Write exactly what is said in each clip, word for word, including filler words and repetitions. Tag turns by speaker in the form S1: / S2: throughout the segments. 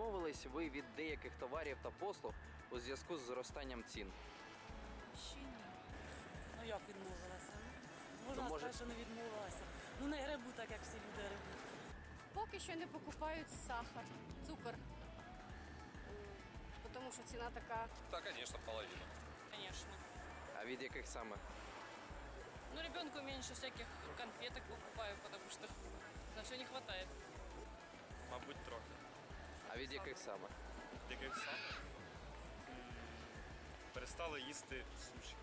S1: відмовились ви від деяких товарів та послуг у зв'язку з зростанням цін?
S2: Ще ні. Ну як відмовилася? Можна
S1: Ну, може-
S2: сказати, що не відмовилася. Ну не гребу так, як всі люди гребуть.
S3: Поки що не покупають сахар, цукор. М, Тому що ціна така.
S4: Да, конечно, половина.
S5: Конечно.
S1: А від яких саме?
S5: Ну, ребенку меньше всяких конфеток покупаю, потому что на все не хватает.
S4: Мабуть, трохи.
S1: А від яких саме?
S4: Яких саме? Перестали їсти суші.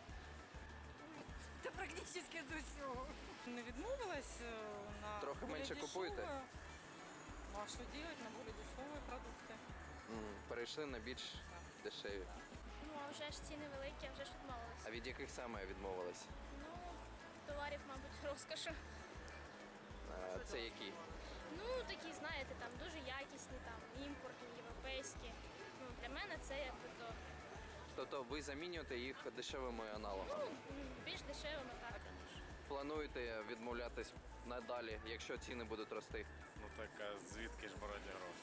S3: Та практично до всього.
S2: Не відмовилась е, на
S1: Трохи
S2: более
S1: менше купуєте?
S2: дешеве. Ну а що робити на більш дешеві продукти?
S1: М, Перейшли на більш дешеві.
S6: Ну, а вже ж ціни великі, а вже ж відмовилися.
S1: А від яких саме відмовились?
S6: Ну, товарів, мабуть, розкошу.
S1: А, Це які?
S6: Ну, такі, знаєте, там дуже якісні, там, імпортні, європейські. Ну, для мене це якби то,
S1: Тобто ви замінюєте їх дешевими аналогами?
S6: ну, більш дешевими, так.
S1: Плануєте відмовлятись надалі, якщо ціни будуть рости?
S7: Ну так а звідки ж брати гроші?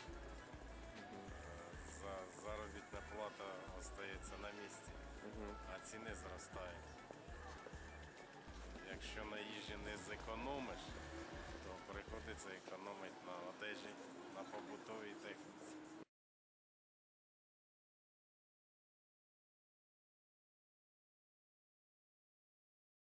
S7: За заробітна плата остається на місці, а ціни зростають. Якщо на їжі не зекономиш, то приходиться економити на одежі, на побутовій техніці.